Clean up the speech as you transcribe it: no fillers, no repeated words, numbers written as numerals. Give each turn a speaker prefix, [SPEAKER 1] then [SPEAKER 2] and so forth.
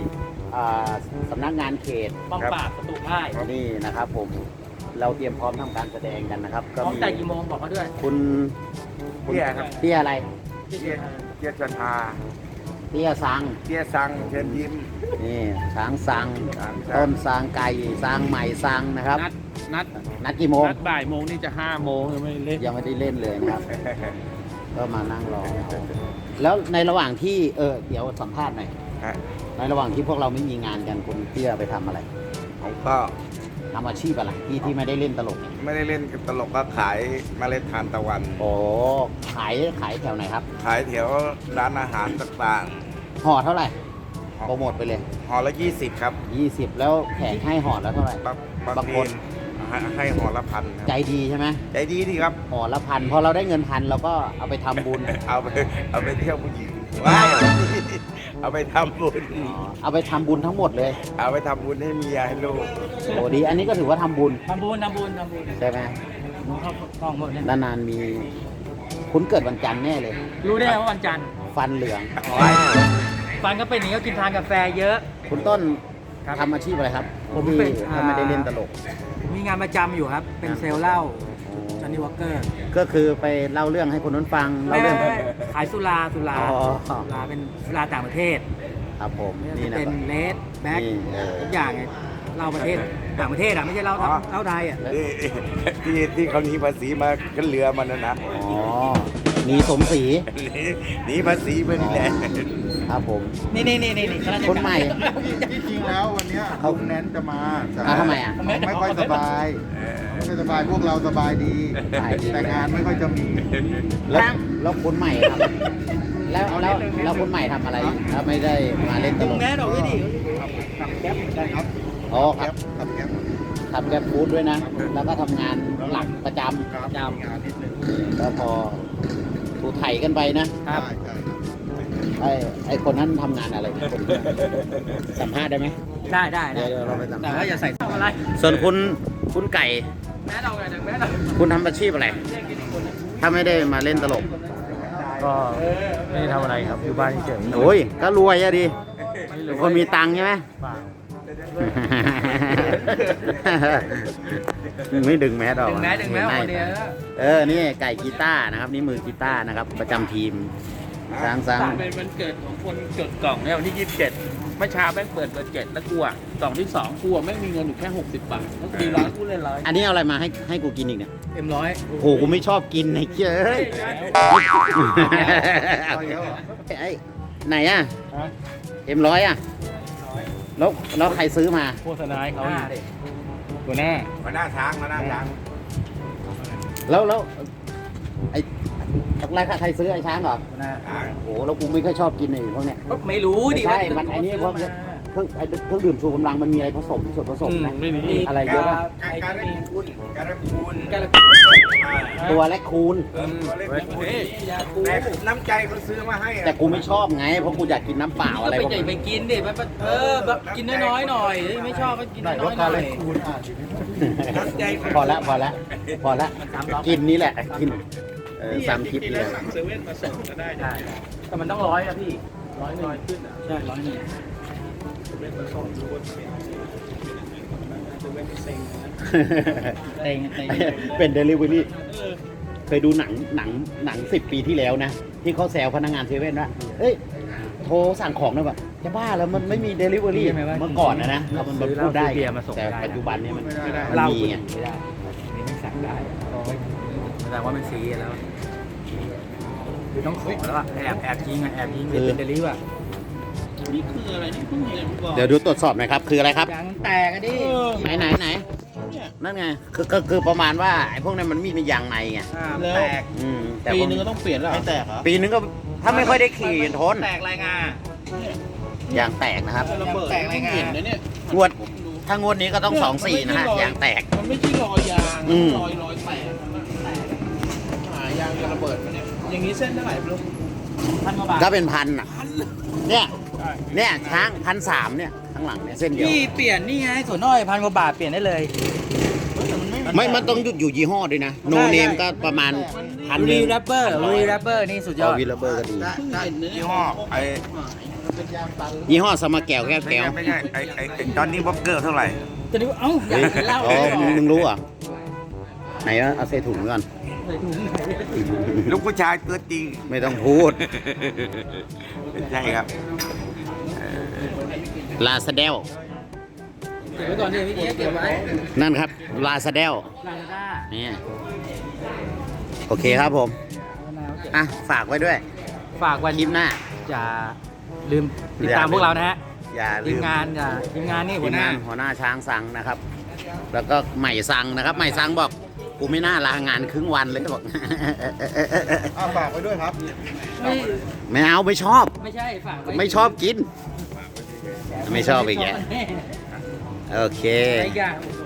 [SPEAKER 1] อ่าสำนักงานเขต
[SPEAKER 2] ป้องปราบศัตรูพ่าย
[SPEAKER 1] นี่นะครับผมเราเตรียมพร้อมทำการแสดงกันนะครับ
[SPEAKER 2] พร้อมแต่กี่โมงบอกเขาด้วย
[SPEAKER 1] คุณ
[SPEAKER 3] เตี้ยครับ
[SPEAKER 1] เตี้ยอะไร
[SPEAKER 3] เตี้ยจันทา
[SPEAKER 1] เตี้ยสัง
[SPEAKER 3] เตี้ยสังเชิญยิ้ม
[SPEAKER 1] นี่ช้างสัง
[SPEAKER 3] ช้างสัง
[SPEAKER 1] ต้นสังไก่สังใหม่สังนะครับ นัดกี่โมง
[SPEAKER 4] นัดบ่ายโมงนี่จะ5 โมงยังไม่เล่น
[SPEAKER 1] ยังไม่ได้เล่นเลยนะครับ ก็มานั่งรอแล้วในระหว่างที่เดี๋ยวสัมภาษณ์หน่อย
[SPEAKER 3] ฮะ
[SPEAKER 1] ในระหว่างที่พวกเราไม่มีงานกันคุณเตี้ยไปทำอะไร
[SPEAKER 3] ผมก็
[SPEAKER 1] ทำอาชีพอะไรที่ไม่ได้เล่นตลกเนี่ย
[SPEAKER 3] ไม่ได้เล่นตลกก็ขายเมล็ดทานตะวัน
[SPEAKER 1] โอ้ขายแถวไหนครับ
[SPEAKER 3] ขายแถวร้านอาหารต่าง
[SPEAKER 1] ห่อเท่าไหร่
[SPEAKER 3] ห่อ
[SPEAKER 1] โปรโมทไปเลย
[SPEAKER 3] ๆห่อละ 20 ครับ
[SPEAKER 1] 20 แล้วแขกให้ห่อแล้วเท่าไหร่
[SPEAKER 3] บาง
[SPEAKER 1] ค
[SPEAKER 3] คน นให้ห่อละพันครับ
[SPEAKER 1] ใจดีใช่ไหม
[SPEAKER 3] ใจดีดีครับ
[SPEAKER 1] ห่อละพันพอเราได้เงินพันเราก็เอาไปทำบุญ
[SPEAKER 3] เอาไปเที่ยวผู้หญิงว้ายเอาไปทำบุญ
[SPEAKER 1] เอาไปทำบุญทั้งหมดเลย
[SPEAKER 3] เอาไปทำบุญให้เมียให้ลูก
[SPEAKER 1] โอ้ดีอันนี้ก็ถือว่าทำบุญ
[SPEAKER 2] ทำบุญ
[SPEAKER 1] ใช่ไหม
[SPEAKER 2] เข้ากล้องหมดเนี่ย
[SPEAKER 1] นานๆมีคุณเกิดวันจันทร์แน่เลย
[SPEAKER 2] รู้ได้ไงว่าวันจันทร์
[SPEAKER 1] ฟันเหลือง
[SPEAKER 2] ฟันก็เป็นอย่างนี้ก็กินทานกาแฟเยอะ
[SPEAKER 1] คุณต้น
[SPEAKER 2] ครับ
[SPEAKER 1] ทำอาชีพอะไรครับ
[SPEAKER 2] ผม
[SPEAKER 1] ที่
[SPEAKER 2] เป็น
[SPEAKER 1] ถ้าไม่ได้เล่นตลก
[SPEAKER 2] มีงานประจำอยู่ครับ เป็นเซลล์เหล้าจอห์นนี่วอลเกอร์
[SPEAKER 1] ก็คือไปเล่าเรื่องให้คนนู้นฟังเล่า
[SPEAKER 2] ไม่
[SPEAKER 1] เรื่อง
[SPEAKER 2] ขายสุรา
[SPEAKER 1] อ๋อ
[SPEAKER 2] สุราเป็นสุราต่างประเทศ
[SPEAKER 1] ครับผมนี่นะ
[SPEAKER 2] เป็นเลดแบ็ค
[SPEAKER 1] นี่
[SPEAKER 2] ทุกอย่างไงเหล้าประเทศต่างประเทศอ่ะไม่ใช่เหล้าเหล้าไทยอ่ะ
[SPEAKER 3] ที่เขาหนีภาษีมาขึ้นเรือมันนะ
[SPEAKER 1] อ๋อหนีสมศรี
[SPEAKER 3] หนีภาษีไปนี่แหละ
[SPEAKER 1] ครับผม
[SPEAKER 2] นี่ข้าราชการ
[SPEAKER 1] คนใหม่
[SPEAKER 5] ที่จริงแล้ววันเนี้ยลุงแนนจะมาแต่
[SPEAKER 1] ทำไมอ่ะ
[SPEAKER 5] ไม่ค่อยสบายไม่ค่อยสบายพวกเราสบายดี
[SPEAKER 1] สบายดี
[SPEAKER 5] แต่งานไม่ค่อยจะมี
[SPEAKER 1] แล้วคนใหม่ครับแล้วคนใหม่ทำอะไรถ้าไม่ได้มาเล่นตลก
[SPEAKER 2] แม่ดอกด้วยดิ
[SPEAKER 5] ขับแก๊ปเหมือนกันครับ
[SPEAKER 1] อ๋อค
[SPEAKER 5] แก๊
[SPEAKER 1] รับ
[SPEAKER 5] ปขับแก๊ป
[SPEAKER 1] ทำแกร็บฟู้ดด้วยนะ แล้วก็ทำงานหลักประจ
[SPEAKER 5] ครับมีงานนิดนึง
[SPEAKER 1] ำก็พอถูไถกันไปนะ
[SPEAKER 2] ครับ
[SPEAKER 5] ใช่
[SPEAKER 1] ไอ้คนนั้นทำงานอะไรนะคนนั้นสัมภาษณ์ได้ไหม
[SPEAKER 2] ได้
[SPEAKER 1] เดี๋ยวเราไปสัม
[SPEAKER 2] แต่
[SPEAKER 1] ภาษ
[SPEAKER 2] ว่า
[SPEAKER 1] ณ์
[SPEAKER 2] อย่าใส่อะไร
[SPEAKER 1] ส่วนคุณไก่
[SPEAKER 2] แม่ดอกแม่ดอก
[SPEAKER 1] คุณทำอาชีพอะไร ถ้าไม่ได้มาเล่นตลก
[SPEAKER 4] ก็ไม่ได้ทำอะไรครับ อยู่บ้านเฉย
[SPEAKER 1] โอ้ย ก็รวยอะดิคนมีตังค์ใช่ไหม
[SPEAKER 4] ๆเปล่า
[SPEAKER 1] ไม่ดึงแมสออก
[SPEAKER 2] ดึงแม่คนเดียว
[SPEAKER 1] นี่ไก่กีตาร์นะครับ นี่มือกีตาร์นะครับ ประจำทีมสร้าง
[SPEAKER 4] เป็นวันเกิดของคนจดกล่องเนี่ยวันที่ 27เมื่อเช้าแม่งเปิดเบอร์7แล้วกูอ่ะกล่องที่2กูแม่งมีเงินอยู่แค่60 บาทแล้วตีร้อยกูเล่นร้อย
[SPEAKER 1] อันนี้เอาอะไรมาให้กูกินอีกเนี่ย
[SPEAKER 2] M100
[SPEAKER 1] โหกูไม่ชอบกินไอ้เจ้ยไอ้ไหนอ่ะM100อ่ะแล้วใครซื้อมา
[SPEAKER 4] โฆษณาให้เขาอยู่ตัวหน้า
[SPEAKER 3] มาหน้าช้างมาหน้าช้าง
[SPEAKER 1] แล้วไอ้ใครซื้อไอ้ช้างเหรอโหแล้วกูไม่ค่อยชอบกินไอ้พวกเนี้ย
[SPEAKER 2] ไม่รู้ดิ
[SPEAKER 1] ใช่มันไอ้นี่พวกเครื่องดื่มชูกำลังมันมีอะไรผสมส่วนผสมนะ
[SPEAKER 4] ไม่มี
[SPEAKER 1] อะไรเยอะป่ะ
[SPEAKER 3] การะคูน
[SPEAKER 1] ตัวและคูณ
[SPEAKER 3] แต่น้ำใจคนซื้อมาให้
[SPEAKER 1] แต่กูไม่ชอบไงเพราะกูอยากกินน้ำเปล่า
[SPEAKER 2] ก็
[SPEAKER 1] อะไร
[SPEAKER 2] ไป
[SPEAKER 1] พวก
[SPEAKER 2] ใหญ่
[SPEAKER 1] นี้
[SPEAKER 2] ไปกินดิแบบกินน้อยๆหน่อยไม่ชอบก็กินน้อยๆหน่อย
[SPEAKER 5] คูณอ่านดิ
[SPEAKER 3] น้ำใจคน
[SPEAKER 1] พอละกินนี่แหละกิน3 คลิปนี่แหละ
[SPEAKER 4] เซเว่นมาส่งก็ได้
[SPEAKER 2] ได้แต่มันต้อง100อะพี่100ขึ้นใช่100 เต็ง
[SPEAKER 1] เป็นเดลิเวอรี่เคยดูหนัง10 ปีที่แล้วนะ ที่เขาแซวพนักงานเซเว่นว่าเฮ้ยโทรสั่งของหน่อยแบบจะบ้าแล้วมันไม่มีเดลิเวอรี่เมื่อก่อนนะมันพูดได้แต่ปัจจุบันนี้มันมีไง
[SPEAKER 2] ไม่ได้นี่ไม่สั่งได้แสดงว่ามันซีแล้วคือต้องขอแล้วอะแอบยิงเป็นเดลิวอะ
[SPEAKER 4] นี่คืออะไรนี่เพิ่งเห็นบอก
[SPEAKER 1] เดี๋ยวดูตรวจสอบหน่อยครับคืออะไรครับ
[SPEAKER 2] ยางแตกอะดิ
[SPEAKER 1] ไหนนั่นไงคือประมาณว่าไอ้พวกนั้นมันมียางในไง
[SPEAKER 2] แตก
[SPEAKER 1] แต่
[SPEAKER 4] ปีนึงก็ต้องเปลี่ยนแล้วไม่แตกเหรอ
[SPEAKER 1] ปีนึงก็ถ้าไม่ค่อยได้ขี่ทน
[SPEAKER 2] แตกรายงาน
[SPEAKER 1] ยางแตกนะครับ
[SPEAKER 4] ระเบิด
[SPEAKER 2] แตกอะไรไง
[SPEAKER 4] เห็นนะเนี่ย
[SPEAKER 1] งวดถ้างวดนี้ก็ต้อง2-4นะฮะยางแตก
[SPEAKER 4] มันไม่ใช่รอยยาง
[SPEAKER 1] อืม
[SPEAKER 4] รอยแตกมันแตกหายางจะระเบิดมันเนี่ยอย่างนี้เส้นเท่าไหร่ไม่รู้
[SPEAKER 2] 1,000 กว่าบาท
[SPEAKER 1] ก็เป็นพันอ่ะเนี่ยช้าง1,300เนี่ยข้างหลังเนี่ยเส้นเดียว
[SPEAKER 2] พี่เปลี่ยนนี่ไงส่วนน้อย1,000 กว่าบาทเปลี่ยนได้เลย
[SPEAKER 1] มันต้องอยู่ยี่ห้อด้วยนะโนเนมก็ประมาณ1,000
[SPEAKER 2] รีแรปเปอร์นี่สุดยอด
[SPEAKER 1] วีลเบอร์ก็ดี
[SPEAKER 3] ยี่ห้อไอ้
[SPEAKER 5] เป็นยางตัน
[SPEAKER 1] ยี่ห้อสมาแก้วแก้ว
[SPEAKER 3] ไม่
[SPEAKER 1] แก้ว
[SPEAKER 3] ใช่ไม่ใช่ไอ้จอนนี่บ็อกเกอร์เท่าไหร่
[SPEAKER 2] จะดูเอ้าอยากกินเหล้า
[SPEAKER 1] อ๋อมึงรู้เหรอ่ะไหนวะเอาใส่ถุงก่อน
[SPEAKER 3] ลูกผู้ชายตัวจริง
[SPEAKER 1] ไม่ต้องพูด
[SPEAKER 3] ใช่ครับ
[SPEAKER 1] ลาซาเดล
[SPEAKER 2] เก็บไว้ก่อนดิพี่เก็บไว้
[SPEAKER 1] นั่นครับลาซาเดล
[SPEAKER 2] ลาซาด้า
[SPEAKER 1] นี่โอเคครับผมอ่ะฝากไว้ด้วย
[SPEAKER 2] ฝากวัน
[SPEAKER 1] คลิปหน้า
[SPEAKER 2] อย่าลืมติดตามพวกเรานะฮะ
[SPEAKER 1] อย่า
[SPEAKER 2] ที
[SPEAKER 1] ลื
[SPEAKER 2] ม
[SPEAKER 1] ม
[SPEAKER 2] งานทีมงานนี่หั
[SPEAKER 1] ที
[SPEAKER 2] ว
[SPEAKER 1] ม
[SPEAKER 2] หน้า
[SPEAKER 1] งานหัวหน้าช้างสังนะครับ แล้วก็ใหม่สังนะครับใหม่สังบอกกูไม่น่าลางานครึ่งวันเลยบอก
[SPEAKER 5] ฝากไว้ด้วยครับ
[SPEAKER 2] ไม่
[SPEAKER 1] ไม่เอาไม่ชอบ
[SPEAKER 2] ไม่ใช่ฝากว้
[SPEAKER 1] ไม่ชอบกิน ไม่ชอบอีกแก
[SPEAKER 2] แน่
[SPEAKER 1] โอเค
[SPEAKER 2] ไอ้อย่าง